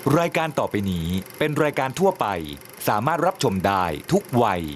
รายการต่อไปนี้เป็นรายการทั่วไปสามารถรับชมได้ทุกวัย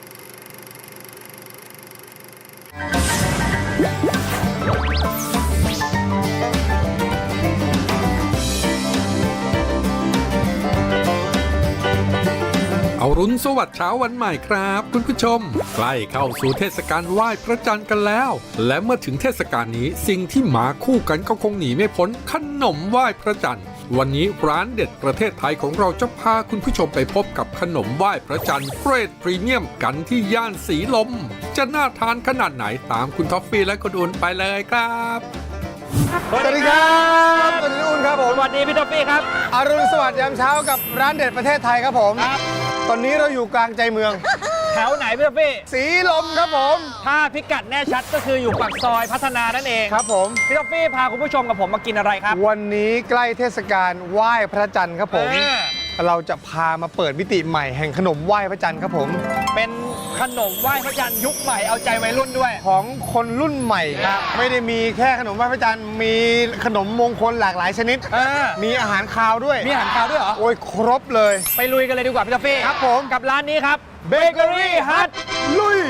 อรุณสวัสดิ์เช้าวันใหม่ครับคุณผู้ชมใกล้เข้าสู่เทศกาลไหว้พระจันทร์กันแล้วและเมื่อถึงเทศกาลนี้สิ่งที่มาคู่กันก็คงหนีไม่พ้นขนมไหว้พระจันทร์วันนี้ร้านเด็ดประเทศไทยของเราจะพาคุณผู้ชมไปพบกับขนมไหว้พระจันทร์เกรดพรีเมียมกันที่ย่านสีลมจะน่าทานขนาดไหนตามคุณท็อฟฟี่และคุณอุ่นไปเลยครับสวัสดีครับสวัสดีอุ่นครับผมสวัสดีพี่ท็อฟฟี่ครับอรุณสวัสดิ์ยามเช้ากับร้านเด็ดประเทศไทยครับผมครับตอนนี้เราอยู่กลางใจเมืองแถวไหนพี่ท็อฟฟี่สีลมครับผมถ้าพิกัดแน่ชัดก็คืออยู่ปากซอยพัฒนานั่นเองครับผมพี่ท็อฟฟี่พาคุณผู้ชมกับผมมากินอะไรครับวันนี้ใกล้เทศกาลไหว้พระจันทร์ครับผมเราจะพามาเปิดมิติใหม่แห่งขนมไหว้พระจันทร์ครับผมเป็นขนมไหว้พระจันทร์ยุคใหม่เอาใจวัยรุ่นด้วยของคนรุ่นใหม่ครับไม่ได้มีแค่ขนมไหว้พระจันทร์มีขนมมงคลหลากหลายชนิดมีอาหารคาวด้วยมีอาหารคาวด้วยเหรอโอ้ยครบเลยไปลุยกันเลยดีกว่าพี่ท็อฟฟี่ครับผมกับร้านนี้ครับเบเกอรี่ฮัทลุย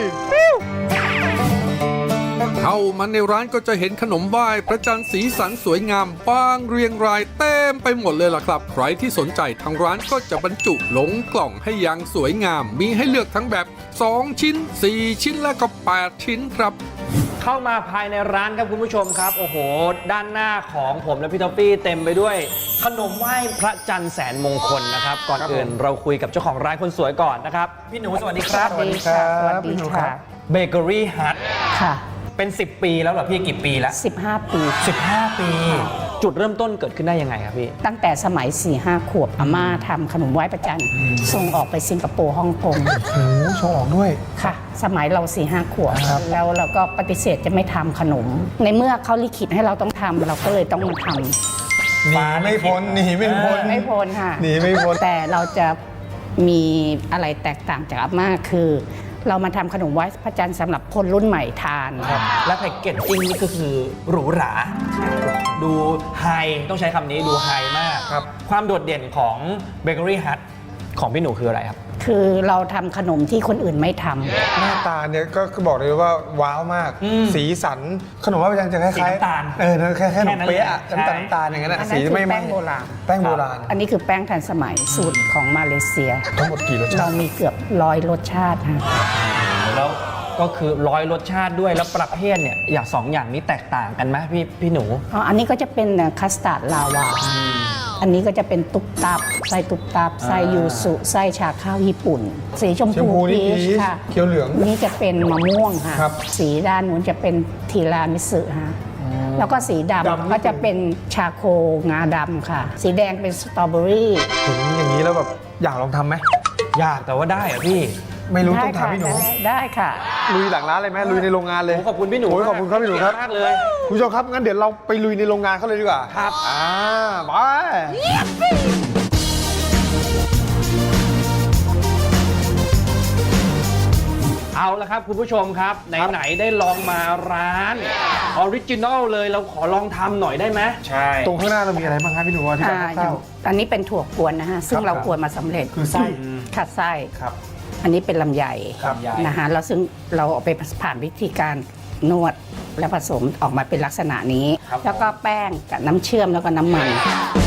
เข้ามาในร้านก็จะเห็นขนมไหว้พระจันทร์สีสันสวยงามวางเรียงรายเต็มไปหมดเลยล่ะครับใครที่สนใจทางร้านก็จะบรรจุลงกล่องให้อย่างสวยงามมีให้เลือกทั้งแบบ2ชิ้น4ชิ้นและก็8ชิ้นครับเข้ามาภายในร้านครับคุณผู้ชมครับโอ้โหด้านหน้าของผมและพี่ท็อฟฟี่เต็มไปด้วยขนมไหว้พระจันทร์แสนมงคลนะครับก่อนอื่นเราคุยกับเจ้าของร้านคนสวยก่อนนะครับพี่หนูสวัสดีครับสวัสดีครับสวัสดีค่ะเบเกอรี่ฮัทค่ะเป็น10 ปีแล้วเหรอพี่กี่ปีแล้ว 15 ปี 15 ปีจุดเริ่มต้นเกิดขึ้นได้ยังไงครับพี่ตั้งแต่สมัย 4-5 ขวบอาม่าทำขนมไหว้พระจันทร์ส่งออกไปสิงคโปร์ฮ่องกงโอ้ส่งออกด้วยค่ะสมัยเรา 4-5 ขวบแล้วเราก็ปฏิเสธจะไม่ทำขนมในเมื่อเขาลิขิตให้เราต้องทำเราก็เลยต้องมาทำหนีไม่พ้นหนีไม่พ้นไม่พ้นค่ะหนีไม่พ้นแต่เราจะมีอะไรแตกต่างจากอาม่าคือเรามาทำขนมไหว้พระจันทร์สำหรับคนรุ่นใหม่ทานและแพ็กเกจจิ้งนี่ก็คือหรูหราดูไฮต้องใช้คำนี้ดูไฮมากความโดดเด่นของเบเกอรี่ฮัทของพี่หนูคืออะไรครับคือเราทำขนมที่คนอื่นไม่ทำหน้าตาเนี่ยก็บอกเลยว่าว้าวมากสีสันขนมไหว้พระจันทร์จะคล้ายๆน้ำตาลแค่ขนมเปี๊ยะน้ำตาลอย่างนั้นสีไม่แป้งโบราณแป้งโบราณอันนี้คือแป้งทันสมัยสูตรของมาเลเซียทั้งหมดกี่รสชาติเรามีเกือบ100 รสชาติค่ะแล้วก็คือ100 รสชาติด้วยแล้วประเภทเนี่ยอย่าง2 อย่างนี้แตกต่างกันไหมพี่หนูอันนี้ก็จะเป็นคัสตาร์ดลาวาอันนี้ก็จะเป็นตุ๊บตับไส้ตุ๊บตับไส้ยูสุไส้ชาข้าวญี่ปุ่นสีชมพูพีชค่ะเขียวเหลืองนี่จะเป็นมะม่วงค่ะสีด้านนู้นจะเป็นทีรามิสึค่ะแล้วก็สีดำก็จะเป็นชาโคงาดำค่ะสีแดงเป็นสตรอเบอรี่ถึงอย่างนี้แล้วแบบอยากลองทำไหมอยากแต่ว่าได้อะพี่ไม่รู้ต้องถามพี่หนูได้ค่ะลุยหลังร้านเลยไหมลุยในโรงงานเลยขอบคุณพี่หนูขอบคุณครับพี่หนูครับมากเลยคุณผู้ชมครับงั้นเดี๋ยวเราไปลุยในโรงงานเขาเลยดีกว่าครับไปเอาละครับคุณผู้ชมครับไหนได้ลองมาร้านออริจินอลเลยเราขอลองทำหน่อยได้ไหมใช่ตรงข้างหน้าเรามีอะไรบ้างครับพี่หนูที่แบบอันนี้เป็นถั่วกวนนะฮะซึ่งเรากวนมาสำเร็จคือไส้ขัดไส้ครับอันนี้เป็นลำไยนะฮะแล้วซึ่งเราเอาไปผ่านวิธีการนวดและผสมออกมาเป็นลักษณะนี้แล้วก็แป้งกับน้ำเชื่อมแล้วก็น้ำมัน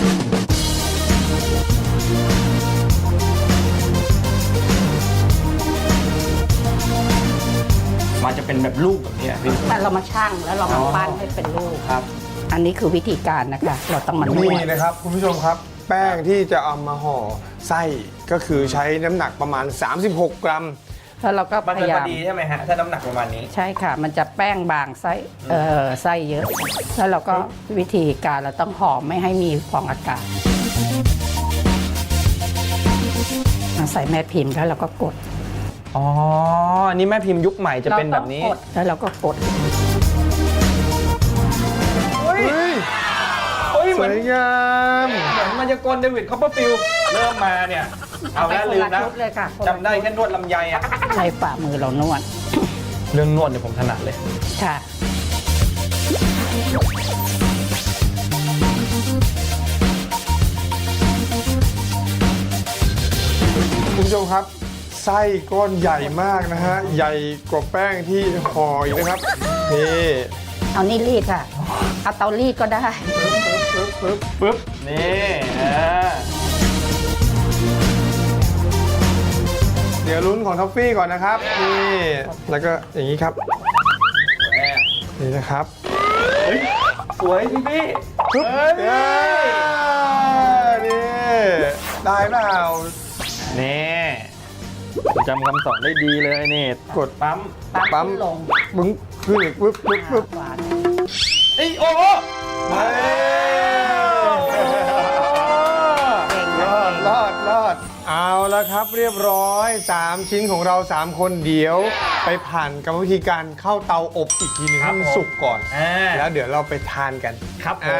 มันจะเป็นแบบลูกแบบนี้พี่แต่เรามาชั่งแล้วเรามาปั้นให้เป็นลูกครับอันนี้คือวิธีการนะคะเราต้องมานวดนี่นะครับคุณผู้ชมครับแป้งที่จะเอามาห่อไส้ก็คือใช้น้ำหนักประมาณ36 กรัมแล้วเราก็พยายามดีใช่ไหมฮะถ้าน้ำหนักประมาณนี้ใช่ค่ะมันจะแป้งบางไส้เยอะแล้วเราก็วิธีการเราต้องห่อไม่ให้มีฟองอากาศใส่แม่พิมพ์แล้วเราก็กดอ๋อนี่แม่พิมพ์ยุคใหม่จะเป็นแบบนี้แล้วเราก็กดสวยงามเหมือนมายากลเดวิดคอปเปอร์ฟิลด์เริ่มมาเนี่ยเอาแล้วลืมนะจำได้แค่นวดลำไยอ่ะใช้ฝ่ามือเรานวดเรื่องนวดเนี่ยผมถนัดเลยค่ะครับ ไส้ก้อนใหญ่มากนะฮะ ใหญ่กว่าแป้งที่ห่ออีกนะครับ นี่เอานี่รีดค่ะ เอาเตารีดก็ได้ปึ๊บนี่เดี๋ยวลุ้นของท็อฟฟี่ก่อนนะครับ นี่ แล้วก็อย่างนี้ครับ นี่นะครับสวยพี่พี่ปึ๊บนี่ได้เปล่านี่จำคำสอนได้ดีเลยนี่กดปั๊มปั๊มลงบึ้งขึ้นอีกปึ๊บปึ๊บปึ๊บหวานเอ้ยโอ้โหเฮ้ยรอด เอาแล้วครับเรียบร้อย 3 ชิ้นของเรา 3 คนเดี๋ยวไปผ่านกรรมวิธีการเข้าเตาอบอีกทีหนึงให้มันสุกก่อน แล้วเดี๋ยวเราไปทานกันครับผม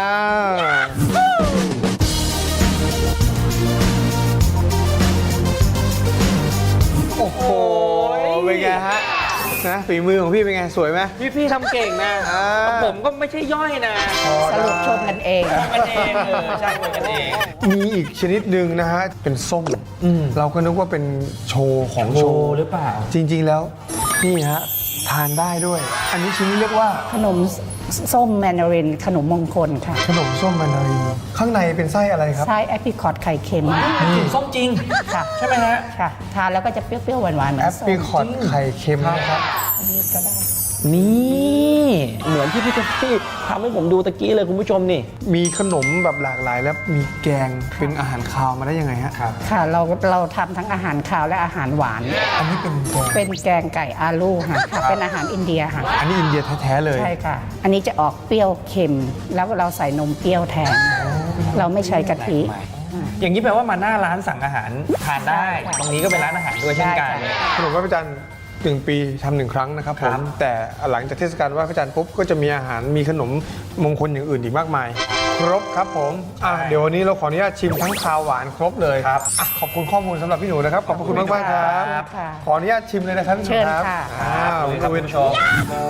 โอ้โหเป็นไงฮะนะฝีมือของพี่เป็นไงสวยไหมพี่ทำเก่งนะอ่าผมก็ไม่ใช่ย่อยนะสรุปชมกันเองกันเองใช่กันเองมีอีกชนิดหนึ่งนะฮะเป็นส้มเราก็นึกว่าเป็นโชว์ของโชว์หรือเปล่าจริงๆแล้วนี่ฮะทานได้ด้วย อันนี้ชิ้นนี้เรียกว่าขนมส้มแมนดาริน ขนมมงคลค่ะขนมส้มแมนดารินข้างในเป็นไส้อะไรครับไส้แอปริคอตไข่เค็มกลิ่นส้มจริงค่ะใช่ไหมฮะค่ะ ทานแล้วก็จะเปรี้ยวๆหวานๆเหมือแอน ปส้มริคอตไข่เค็มนะครับอันนี้ก็ได้นี่เหมือนที่พี่เจฟฟี่ทำให้ผมดูตะกี้เลยคุณผู้ชมนี่มีขนมแบบหลากหลายแล้วมีแกงเป็นอาหารคาวมาได้ยังไงฮะครับค่ะ เราทำทั้งอาหารคาวและอาหารหวานอันนี้เป็นแกงเป็นแกงไก่อาลูค่ะ เป็นอาหารอินเดียค่ะอันนี้อินเดียแท้ๆเลยใช่ค่ะ อันนี้จะออกเปรี้ยวเค็ม แล้วเราใส่นมเปรี้ยวแทน เราไม่ใช้กะทิอย่างนี้แปลว่ามาหน้าร้านสั่งอาหารทานได้ได้ค่ะตรงนี้ก็เป็นร้านอาหารด้วยเช่นกันได้ค่ะขนมไหว้พระจันทร์1 ปีทำ1 ครั้งนะครับผครัมบแต่หลังจากเทศกาลไหว้พระจันทร์ปุ๊บก็จะมีอาหารมีขนมมงคลอย่างอื่นอีกมากมาย ครบครับผมเดี๋ยววันนี้เราขออนุญาตชิมทั้งคาวหวานครบเลยครับขอบคุณข้อมูลสำหรับพี่หนูนะครับขอบคุณมากๆครับค่ะขออนุญาตชิมเลยนะครับพี่หนูเชิญครับค่ะคุณครับวิคุนณผู้ชม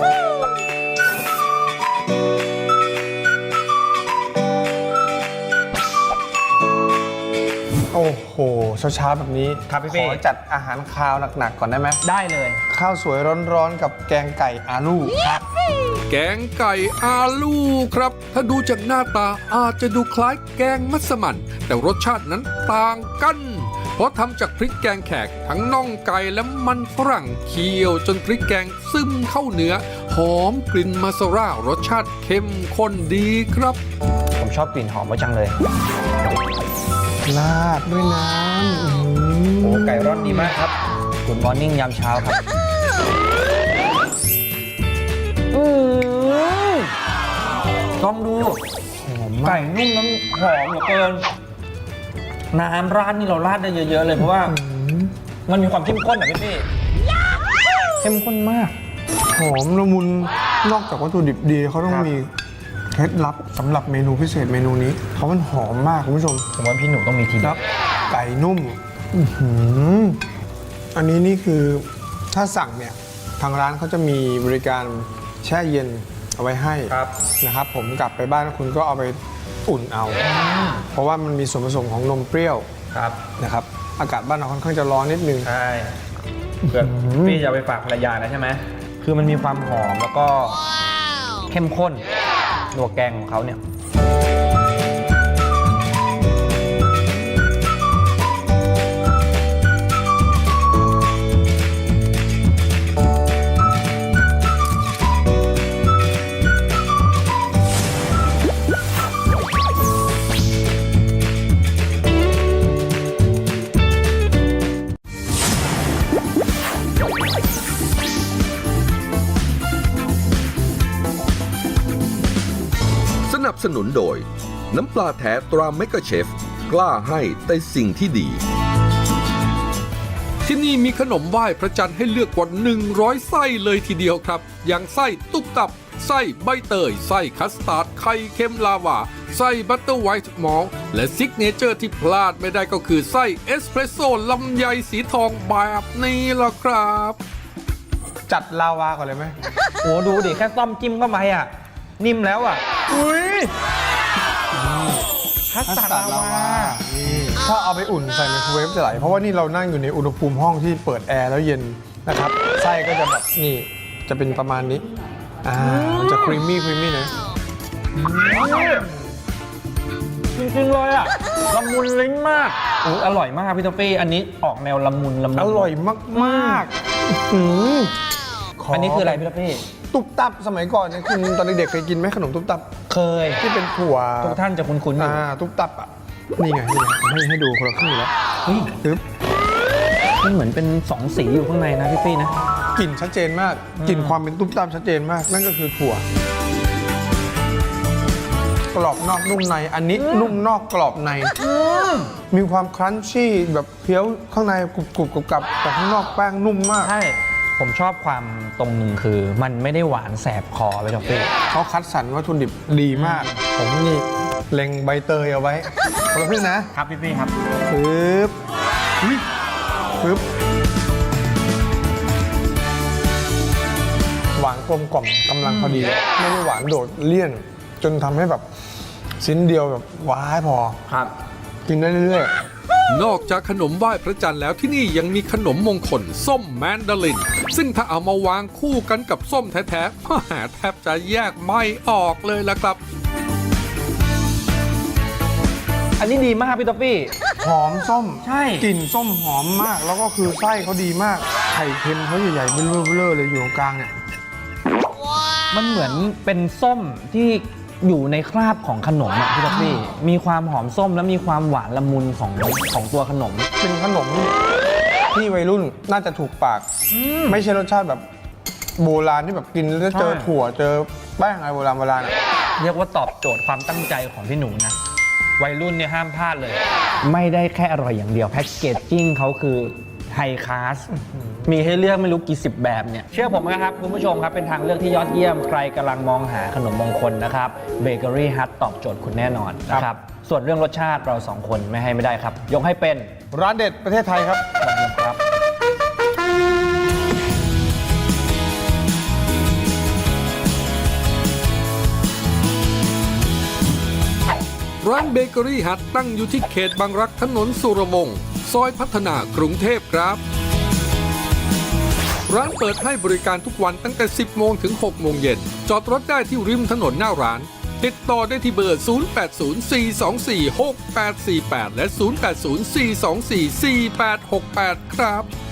โอ้โหเช้าๆแบบนี้ครับพี่ขเป้อจัดอาหารคาวหนักๆก่อนได้ไหมได้เลยข้าวสวยร้อนๆกับแกงไก่อาลูครับแกงไก่อาลูครับ ถ้าดูจากหน้าตาอาจจะดูคล้ายแกงมัสมั่นแต่รสชาตินั้นต่างกัน เพราะทำจากพริกแกงแขกทั้งน่องไก่และมันฝรั่งเคี่ยวจนพริกแกงซึมเข้าเนื้อ หอมกลิ่นมาซาร่ารสชาติเข้มข้นดีครับผมชอบกลิ่นหอมมาจังเลยลาดด้วยน้ำโอ้ไก่ร่อนดีมากครับกุดมอร์นิ่งยามเช้าครับลองดูไก่นุ่มน้ำหอมเหลือเกิน น้ำราดนี่เราราดได้เยอะๆเลยเพราะว่ามันมีความเข้มข้นอะพี่เข้มข้นมากหอมละมุนนอกจากวัตถุดิบดีเขาต้องครับมีเคล็ดลับสำหรับเมนูพิเศษเมนูนี้เพราะมันหอมมากคุณผู้ชมผมว่าพี่หนูต้องมีทีคเด็รัดบไก่นุ่มอันนี้นี่คือถ้าสั่งเนี่ยทางร้านเขาจะมีบริการแช่เย็นเอาไว้ให้ครับนะครับ ผมกลับไปบ้านคุณก็เอาไปอุ่นเอา เพราะว่ามันมีส่วนผสมของนมเปรี้ยวครับนะครับอากาศบ้านเราค่อนข้างจะร้อนนิดนึงใช่เผื่อพี่จะเอาไปฝากภรรยานะใช่ไหมคือมันมีความหอมแล้วก็เข้มข้นตัวแกงของเขาเนี่ยสนับสนุนโดย น้ำปลาแท้ตราเมกะเชฟ กล้าให้แต่สิ่งที่ดีที่นี่มีขนมไหว้พระจันทร์ให้เลือกกว่า 100 ไส้เลยทีเดียวครับ อย่างไส้ตุ๊บตับ ไส้ใบเตย ไส้คัสตาร์ด ไข่เค็มลาวา ไส้บัตเตอร์ไวท์มอลต์และซิกเนเจอร์ที่พลาดไม่ได้ก็คือไส้เอสเพรสโซ่ลำไยสีทองแบบนี้ล่ะครับจัดลาวาก่อนเลยไหมโอ้ดูดิแค่ต้อมจิ้มเข้าไปอ่ะ นิ่มแล้วอ่ะ อุ้ยคัสตาร์ดลาวานี่ถ้าเอาไปอุ่นใส่ไมโครเวฟจะไหลเพราะว่านี่เรานั่งอยู่ในอุณหภูมิห้องที่เปิดแอร์แล้วเย็นนะครับไส้ก็จะแบบนี่จะเป็นประมาณนี้มันจะครีมมี่นะจริงๆเลยอ่ะละมุนลิ้นมากอร่อยมากพี่ท็อฟฟี่อันนี้ออกแนวละมุนอร่อยมากๆอันนี้คืออะไรพี่ท็อฟฟี่ตุ๊บตับสมัยก่อนเนี่ยคุณตอนเด็กๆเคยกินไหมขนมตุ๊บตับเคยที่เป็นถั่วทุกท่านจะคุ้นๆอยู่ตุ๊บตับอ่ะนี่ไงให้ดูคนละครึ่งแล้วปึ๊บมันเหมือนเป็น2สีอยู่ข้างในนะพี่ฟี่นะกลิ่นชัดเจนมากกลิ่นความเป็นตุ๊บตับชัดเจนมากนั่นก็คือถั่วกรอบนอกนุ่มในอันนี้นุ่มนอกกรอบในมีความครันชี่แบบเคี้ยวข้างในกรุบๆกับแต่ข้างนอกแป้งนุ่มมากใช่ผมชอบความตรงหนึ่งคือมันไม่ได้หวานแสบคอไปท็อฟฟี่เขาคัดสรรวัตถุดิบดีมาก ผมนี่เล็งใบเตยเอาไว้คนละครึ่งนะครับพี่ฟี่ครับปึ๊บหวานกลมกล่อมกำลังพอดีไม่ได้หวานโดดเลี่ยน จนทำให้แบบชิ้นเดียวแบบว้ายพอครับกินได้เรื่อยนอกจากขนมไหว้พระจันทร์แล้วที่นี่ยังมีขนมมงคลส้มแมนดาริน ซึ่งถ้าเอามาวางคู่กันกับส้มแท้ๆแทบจะแยกไม่ออกเลยล่ะครับอันนี้ดีมากพี่ท็อฟฟี่หอมส้มใช่กลิ่นส้มหอมมาก แล้วก็คือไส้เขาดีมากไข่เค็มเขาใหญ่ๆเบ้อๆเลยอยู่ตรงกลางเนี่ยมันเหมือนเป็นส้มที่อยู่ในคราบของขนมอะพี่ท็อฟฟี่มีความหอมส้มและมีความหวานละมุนของตัวขนมเป็นขนมที่วัยรุ่นน่าจะถูกปากไม่ใช่รสชาติแบบโบราณที่แบบกินแล้วเจอถั่วเจอแป้งอะไรโบราณอะเรียกว่าตอบโจทย์ความตั้งใจของพี่หนูนะวัยรุ่นเนี่ยห้ามพลาดเลย ไม่ได้แค่อร่อยอย่างเดียวแพ็กเกจจิ้งเขาคือไฮคลาสมีให้เลือกไม่รู้กี่สิบแบบเนี่ยเชื่อผมนะครับคุณผู้ชมครับเป็นทางเลือกที่ยอดเยี่ยมใครกำลังมองหาขนมมงคลนะครับเบเกอรี่ฮัทตอบโจทย์คุณแน่นอนนะครับส่วนเรื่องรสชาติเราสองคนไม่ให้ไม่ได้ครับยกให้เป็นร้านเด็ดประเทศไทยครับครับร้านเบเกอรี่ฮัทตั้งอยู่ที่เขตบางรักถนนสุรวงศ์ซอยพัฒนากรุงเทพครับ ร้านเปิดให้บริการทุกวันตั้งแต่ 10 โมงถึง 6 โมงเย็น จอดรถได้ที่ริมถนนหน้าร้าน ติดต่อได้ที่เบอร์ 0804246848 และ 0804244868 ครับ